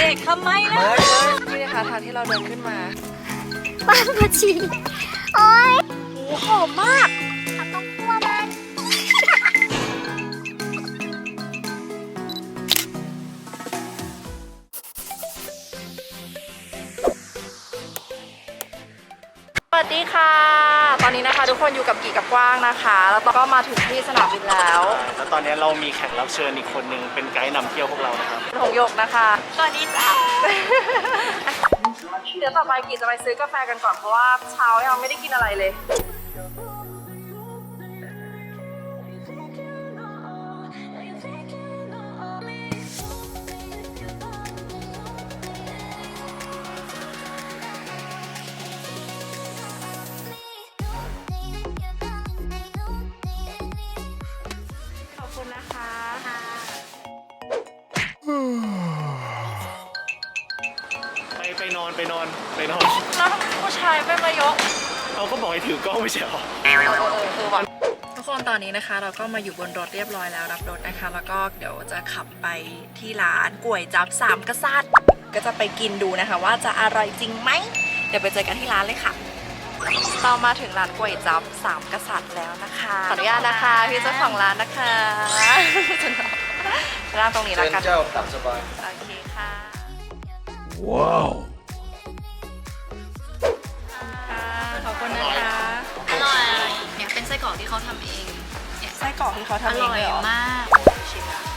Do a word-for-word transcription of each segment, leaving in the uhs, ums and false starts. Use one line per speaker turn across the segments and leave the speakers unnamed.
เด็กทำไมนะนี่นะคะทางที่เราเดินขึ้นมาบ้านผักชีโอ้ยโอ้หอมมากต้องคั่วมันสวัสดีค่ะตอนนี้นะคะทุกคนอยู่กับกี่กับกว้างนะคะแล้วก็มาถึงที่สนามบินแล้ว
แล้วตอนนี้เรามีแขกรับเชิญอีกคนนึงเป็นไกด์นำเที่ยวพวกเรานะครับ
หงหยกนะคะสวัสดีจ้าเดี๋ยวต่อไปกี่จะไปซื้อกาแฟกันก่อนเพราะว่าเช้ายังไม่ได้กินอะไรเลย
ไปไปนอนไปนอนไปนอน
แล้วผู้ชายไม่มายก
เขาก็บอกให้ถือกล้องไม่ใช่หรอ
เออเออคือวันทุกคนตอนนี้นะคะเราก็มาอยู่บนรถเรียบร้อยแล้วรับรถนะคะแล้วก็เดี๋ยวจะขับไปที่ร้านก๋วยจั๊บสามกษัตริย์ก็จะไปกินดูนะคะว่าจะอร่อยจริงไหมเดี๋ยวไปเจอกันที่ร้านเลยค่ะเรามาถึงร้านก๋วยจั๊บสามกษัตริย์แล้วนะคะขออนุญาตนะคะพี่เจ้าของร้านนะคะร้านตรงนี้แล้วกัน
เจ้าตามสบาย
โอเคค่ะ
ว้าว
ขอบคุณนะคะ
อร่อยเนี่ยเป็นไส้กรอกที่เขาทำเอง
ไส้กรอกที่เขาทำเองเลยเหรอ
มากชิมนะ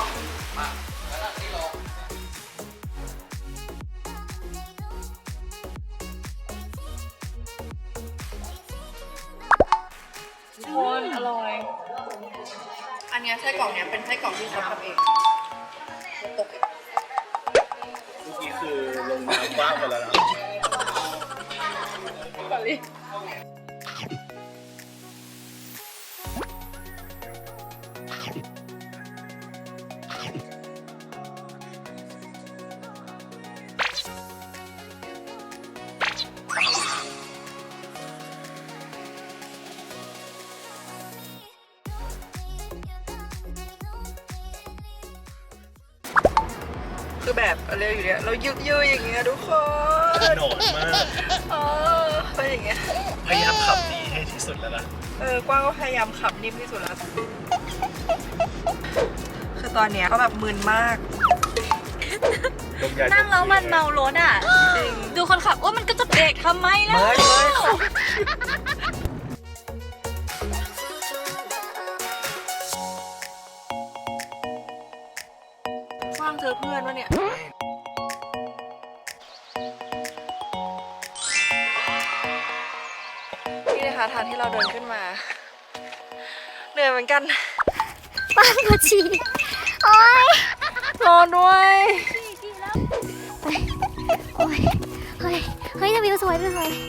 ทุกคนอร่อยอันนี้ไส้กรอกเนี้ยเป็นไส้กรอกที่เขาทำเองตก
เมื่อกี้คือลงน้ำบ้างไปแล้วนะ
คือแบบอะไรอยู่เนี่ยเรายึกยืออย่างเงี้ยทุกคน
โหนดมาก
เออเป็นอย่างเงี้ย
พยายามขับดีให้ที่สุดแล้วนะ
เออกว้างก็พยายามขับนิ่มที่สุดแล้วคือตอนเนี้ยก็แบบมึนมาก
นั่งแล้วมันเมารถอ่ะจริงดูคนขับว่ามันก็จะเบรกทำไมล่ะ
ว่างเจอเพื่อนวะเนี่ยนี่นะคะทางที่เราเดินขึ้นมาเหนื่อยเหมือนกัน
บ้านผักชีโอ้ย
รอด้วย
ไปโอ้ยเฮ้ยเฮ้ยจะวิวสวยวิวสวย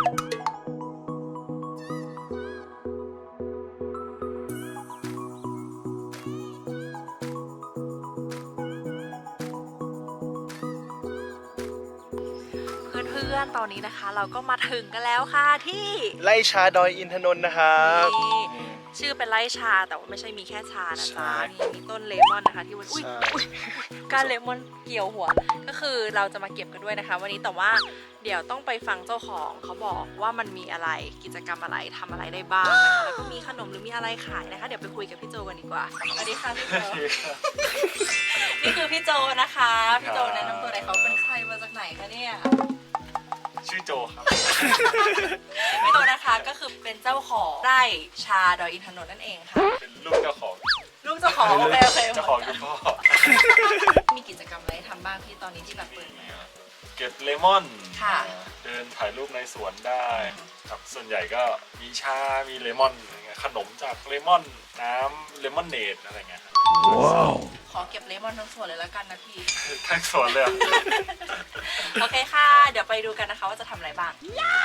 เพื่อนๆตอนนี้นะคะเราก็มาถึงกันแล้วค่ะที่
ไร่ชาดอยอินทนนท์นะครับ
ชื่อเป็นไร่ชาแต่ว่าไม่ใช่มีแค่ชานะจ๊ะนี่มีต้นเลมอนนะคะที่วันอุ้ยการเลมอนเกี่ยวหัวก็คือเราจะมาเก็บกันด้วยนะคะวันนี้แต่ว่าเดี๋ยวต้องไปฟังเจ้าของเขาบอกว่ามันมีอะไรกิจกรรมอะไรทำอะไรได้บ้างนะคะแล้วก็มีขนมหรือมีอะไรขายนะคะเดี๋ยวไปคุยกับพี่โจกันดีกว่าสวัสดีค่ะพี่โจนี่คือพี่โจนะคะพี่โจแนะนำตัวหน่อยเขาเป็นใครมาจากไหนคะเนี่ย
ชื่อโจครับ
พี่โจนะคะก็คือเป็นเจ้าของไร่ชาดอยอินทนนท์นั่นเองค่ะ
เป็นลูกเจ้าของ
ลูกเจ้าของโอเคโอเค
เจ้าของคือพ่อ
มีกิจกรรมอะไรทำบ้างที่ตอนนี้ที่แบบเปิดไหม
เก็บเลมอน
ค่ะ
เดินถ่ายรูปในสวนได้ครับส่วนใหญ่ก็มีชามีเลมอนขนมจากเลมอนน้ำเลมอนเนดอะไรเงี้ยว้าว
ขอเก็บเลมอนทั้งสวนเลยแล้วกันนะพี่
ทั้งสวนเลย
โอเคค่ะเดี๋ยวไปดูกันนะคะว่าจะทำอะไรบ้าง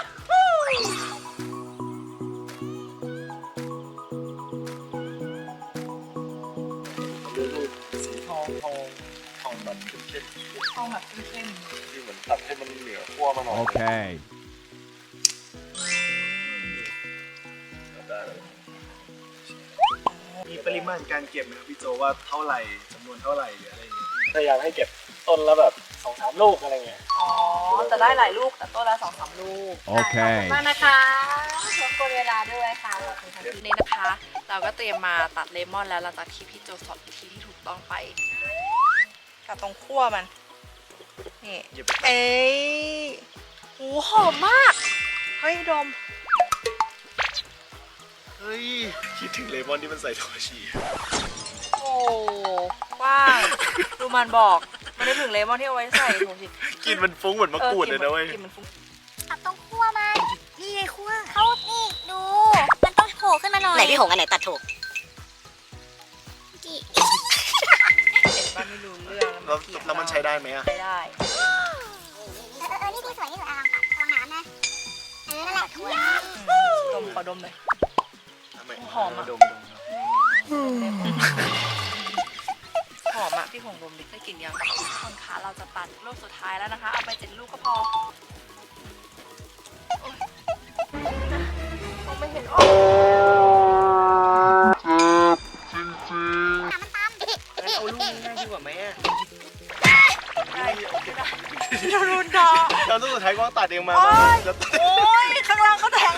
สีทองทองทองแบบเข้ม
ทองแบบเข้ม
ๆที่เหมือนตัดให้มันเหนือขั้วมาหน่อยโอเคมีปริมาณการเก็บไหมครับพี่โจว่าเท่าไหร่จำนวนเท่าไหร่หรืออะไรอย่างเงี้ยพยายามให้เก็บ
ต้นละแบบสองสามลูกอะไรเงี้ย
อ๋อจะได้หลายลูกแต่ต้นละสองสามลูก
โอเค
ขอบคุณมากนะคะรบกวนเวลาด้วยค่ะขอบคุณค่ะนี่นะคะ เราก็เตรียมมาตัดเลมอนแล้วหลังจากที่พี่โจสอนวิธีที่ถูกต้องไปตัดตรงขั้วมันนี่เอ้ยโหหอมมากเฮ้ยดม
เฮ้ยคิดถึงเลมอนที่มันใส่โทชิ
โอ้กว้างดูมันบอกมันได้ถึงเลมอนที่เอาไว้ใส่ถุงสิ
กลินมันฟุ้งเหมือนมะกรูดเลยนะเว้ย
กลิ่นมันฟุ้ง
ตับตรงขั้วมันนี่ไงขั้วเขานี่ดู มันต้องโผล่ขึ้นมาหน่อย
ไหนพี่หงอันไหนตัดถูก
กี่
เห็นว่าไม่รู้เรื่อง
แล้ว
เถียง
แล้วมันใช้ได้ไหมอะ
ใช้ได้
เออเออนี่ที่สวยที่สุดอ่ะลองตัดลองน้ำนะเออนั่นแหละขั้ว
อืมดมขอดมเลย
ทำไม
หอมอะ
ดมดม
หอมอะพี่หงดมดิได้กลิ่นยังคนขาเราจะตัดลูกสุดท้ายแล้วนะคะ เอาไปเจ็ดลูกก็พอโอ๊ยมองไม่เห็นโอ้
เอาลูกนี้ง่ายดีกว่าไหมอะ
ได้เรารุนดอ
แล้วลูกสุดท้ายก็ตัดเองมา
โอ๊ย
แล้ว
โอ้ยข้างล่างเขาแทง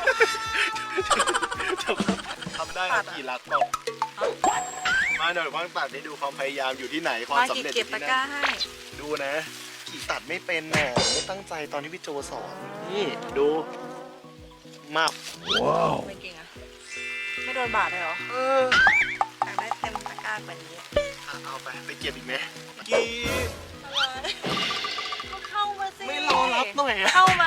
ทำได้นะกี่ลักเปล่ามาเดี๋ยวว่างตัดให้ดูความพยายามอยู่ที่ไหนความ
มา
สำ
กี่
เร็จอ
เก็บ
ยู่
ตะ
ที่
กร้า
นั่น
ให้
ดูนะกี่ตัดไม่เป็นน่ะไม่ตั้งใจตอนที่พี่โจสอนนี่ดูมาบ
ไม่เก่งอะไม่โดนบาดเลยเหรอ
เออ
อยากได้เต็มตะกร้ากว่านี้
อ่ะเอาไปไปเก็บอีกไหมกี่
อะไรก็เข้ามาสิ
ไม่รอรับหน่อยอะ
เข้ามา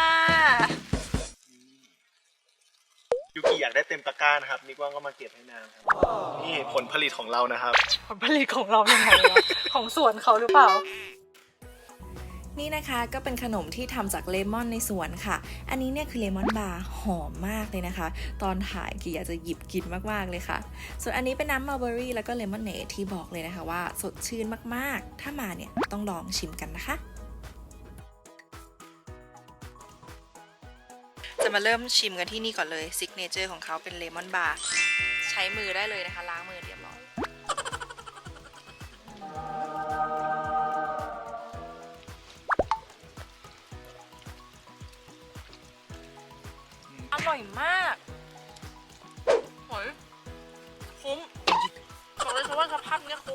ยูกิอยากได้เต็มตะกร้านะครับนิกว่างก็มาเก็บให้นางครับนี่ผลผลิตของเรานะครับ
ผลผลิตของเรายังไงวะ ของสวนเขาหรือเปล่า
นี่นะคะก็เป็นขนมที่ทำจากเลมอนในสวนค่ะ อันนี้เนี่ยคือเลมอนบาร์หอมมากเลยนะคะ ตอนถ่ายกี่อยากจะหยิบกินมากๆเลยค่ะ ส่วนอันนี้เป็นน้ำมัลเบอรี่แล้วก็เลมอนเนดที่บอกเลยนะคะว่าสดชื่นมากๆ ถ้ามาเนี่ยต้องลองชิมกันนะคะ
จะมาเริ่มชิมกันที่นี่ก่อนเลยซิกเนเจอร์ของเขาเป็นเลมอนบาร์ใช้มือได้เลยนะคะล้างมือเรียบร้อยอร่อยมากโหยคุ้มบอกเลยค่ะว่าสภาพเนี้ยคุ้ม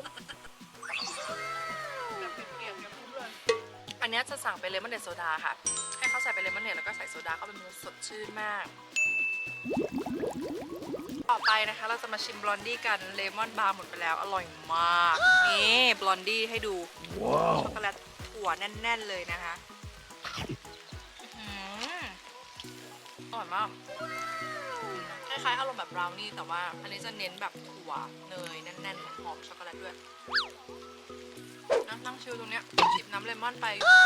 อันเนี้ยจะสั่งเป็นเลมอนเนดโซดาค่ะให้เขาใส่เป็นเลมอนเนดแล้วก็ใส่โซดาเข้าไปมันสดชื่นมากต่อไปนะคะเราจะมาชิมบลอนดี้กันเลมอนบาร์หมดไปแล้วอร่อยมากนี่บลอนดี้ให้ดูช็อกโกแลตถั่วแน่นๆเลยนะคะอื้อหืออร่อยมากคล้ายๆอารมณ์แบบบราวนี่แต่ว่าอันนี้จะเน้นแบบถั่วเนยแน่นๆหอมช็อกโกแลตด้วยนะนั่งชิลตรงเนี้ยจิบน้ำเลมอนไป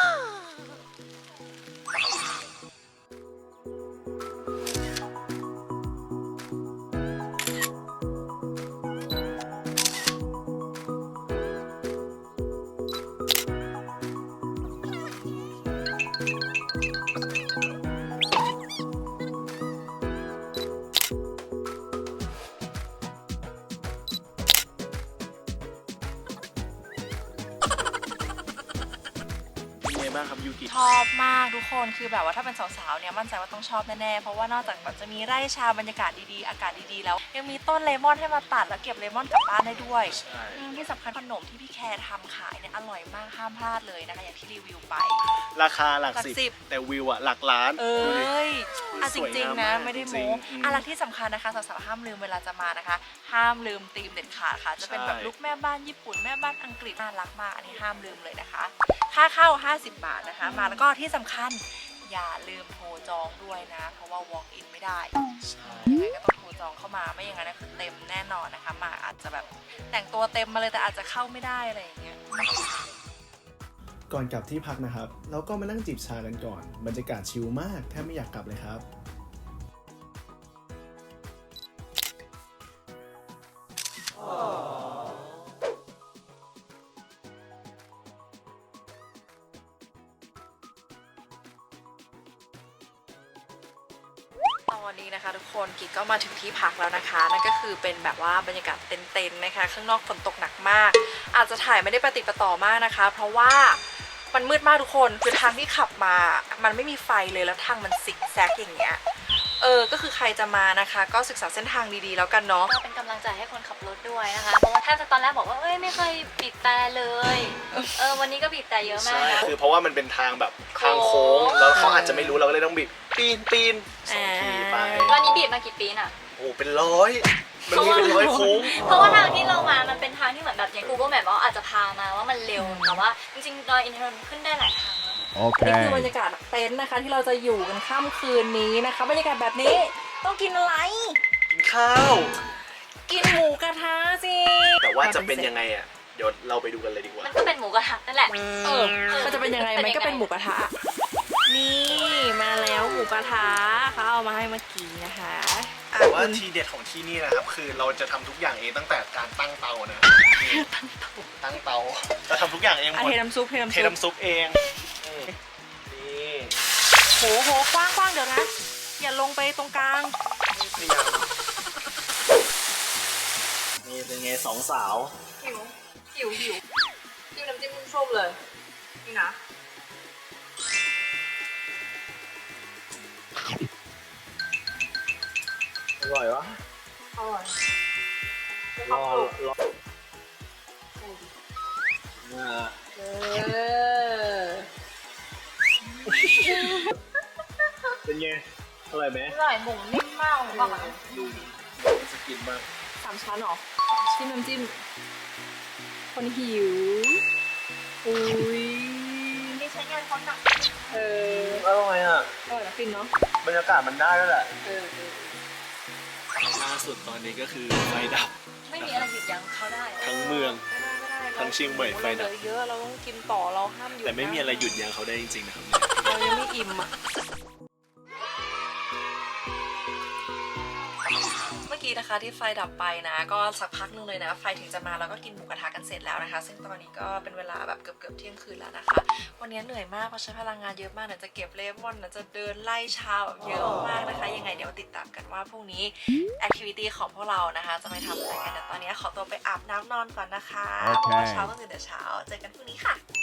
เป็นไงบ้างครับยูกิ
ชอบมากทุกคนคือแบบว่าถ้าเป็นสาวๆเนี่ยมั่นใจว่าต้องชอบแน่ๆเพราะว่านอกจากแบบจะมีไร่ชาบรรยากาศดีๆอากาศดีๆแล้วยังมีต้นเลมอนให้มาตัดแล้วเก็บเลมอนกลับบ้านได้ด้วย
ใช่
อืมที่สำคัญขนมที่พี่แคร์ทำขายเนี่ยอร่อยมากห้ามพลาดเลยนะคะอย่างที่รีวิวไป
ราคาหลัก
หลัก
สิบ
สิบ
แต่วิวอะหลักล้าน
เอ
ดูดิ้
ยอ่ะจ
สวย
ริง
งาม
ๆนะ
มาก
ไม่ได้
จริ
โม้
งอืม
อะไรที่สำคัญนะคะสาวๆห้ามลืมเวลาจะมานะคะ ห้ามลืมธีมเด็ดขาดค่ะ จะเป็นแบบ
ใช่
ลุคแม่บ้านญี่ปุ่นแม่บ้านอังกฤษน่ารักมากอันนี้ห้ามลืมเลยนะคะ ค่าเข้าห้าสิบบาทนะคะ มาแล้วก็ที่สำคัญอย่าลืมโทรจองด้วยนะ เพราะว่า walk in ไม่ได้
ใช่
ยังไงก็ต้องโทรจองเข้ามาไม่อย่างนั้นนะคือเต็มแน่นอนนะคะ มาอาจจะแบบแต่งตัวเต็มมาเลยแต่อาจจะเข้าไม่ได้อะไรอย่างเงี้ย
ก่อนกลับที่พักนะครับ เราก็มานั่งจิบชากันก่อน บรรยากาศชิลมากแทบไม่อยากกลับเลยครับ
ตอนนี้นะคะทุกคนกิ๊กก็มาถึงที่พักแล้วนะคะนั่นก็คือเป็นแบบว่าบรรยากาศเต็นท์ๆนะคะข้างนอกฝนตกหนักมาก อาจจะถ่ายไม่ได้ประติดประต่อมากนะคะ เพราะว่ามันมืดมากทุกคนคือทางที่ขับมามันไม่มีไฟเลยแล้วทางมันซิกแซกอย่างเงี้ยเออก็คือใครจะมานะคะ ก็ศึกษาเส้นทางดีๆแล้วกันเนาะ
ก็เป็นกำลังใจให้คนขับรถด้วยนะคะ เพราะว่าถ้าจะตอนแรกบอกว่าเอ้ยไม่เคยบีบแต่เลย เออวันนี้ก็บีบแต่เยอะมาก
ใช่
นะ
คือเพราะว่ามันเป็นทางแบบทางโค้ง แล้วเขาอาจจะไม่รู้เราก็เลยต้องบิดปีนปีนสองทีไป
วันนี้บีบมากี่ปีน่ะ
โอ้เป็นร้อยมันมีเป็นร้อยโค้ง
เพราะว่าทางที่เรามามันเป็นทางที่เหมือนแบบอย่าง Google Map ว่าอาจจะพามาว่ามันเร็ว แต่ว่าจริงๆดอยอินทนนท์ขึ้นได้หลายทางนะ
นี่คือบรรยากาศเต็นท์นะคะที่เราจะอยู่กันค่ำคืนนี้นะคะบรรยากาศแบบนี้ต้องกินอะไร
กินข้าว
กินหมูกระทะสิ
แต่ว่าจะเป็นยังไงอ่ะ เดี๋ยวเราไปดูกันเลยดีกว่า
มันก็เป็นหมูกระทะนั่นแหละ
เออมันจะเป็นยังไงมันก็เป็นหมูกระทะนี่มาแล้วหมูกระทะเขาเอามาให้เมื่อกี้นะคะอ่ะ
แต่ว่า
คุณ
ทีเด็ดของที่นี่นะครับ คือเราจะทำทุกอย่างเองตั้งแต่การตั้งเตานะตั้งเตาเราทำทุกอย่างเองห
อ่ะ
มด
เทน้ำซุปเทน้ำ
เท
ซุป
น้ำซุปเองอืมนี่
โหโหกว้างกว้างเดี๋ยวนะ อย่าลงไปตรงกลาง
พยายามนี่เป็นไงสองสาว
หิวหิวหิวจิ้มน้ำจิ้มส้มเลยนี่นะ
อร่อยวะ
อร่อย
รอรออ่า
เออ
เป็นไงอร่อยไหม
อร่อยหมูนิ่มมากเลยป่ะดูดิ
จะกินบ้าง
สามชั้นเหรอจิ้มน้ำจิ้มคนหิวอุ้ย
นี่ใช้งานเขาหนัก
เออ
อร่อยอ่ะ
อร่อยนะฟินเนาะ
บรรยากาศมันได้แล้วแหละ
เออเออ
ล่าสุดตอนนี้ก็คือไฟดับ
ไม่มีอะไรหยุดยั้งเขาได้
ทั้งเมือง ทั้งเชียงใหม่ไฟดับ
เราเหลือเยอะเราต้องกินต่อเราห้ามหยุด
แต่ไม่มีอะไรหยุดยั้งเขาได้จริงๆนะครับ
เรายังไม่อิ่มอ่ะเมื่อกี้นะคะที่ไฟดับไปนะ ก็สักพักนึงเลยนะไฟถึงจะมาแล้วก็กินหมูกระทะกันเสร็จแล้วนะคะ ซึ่งตอนนี้ก็เป็นเวลาแบบเกือบเกือบๆเที่ยงคืนแล้วนะคะ วันนี้เหนื่อยมากเพราะใช้พลังงานเยอะมากนะจะเก็บเลมอนนะจะเดินไล่ชาแบบเยอะมากนะคะ ยังไงเดี๋ยวติดตามกันว่าพรุ่งนี้แอคทิวิตี้ของพวกเรานะคะจะไปทำอะไรกันแต่ตอนนี้ขอตัวไปอาบน้ำนอนก่อนนะคะเพราะว่าเช้าต้องตื่นแต่เช้าเจอกันพรุ่งนี้ค่ะ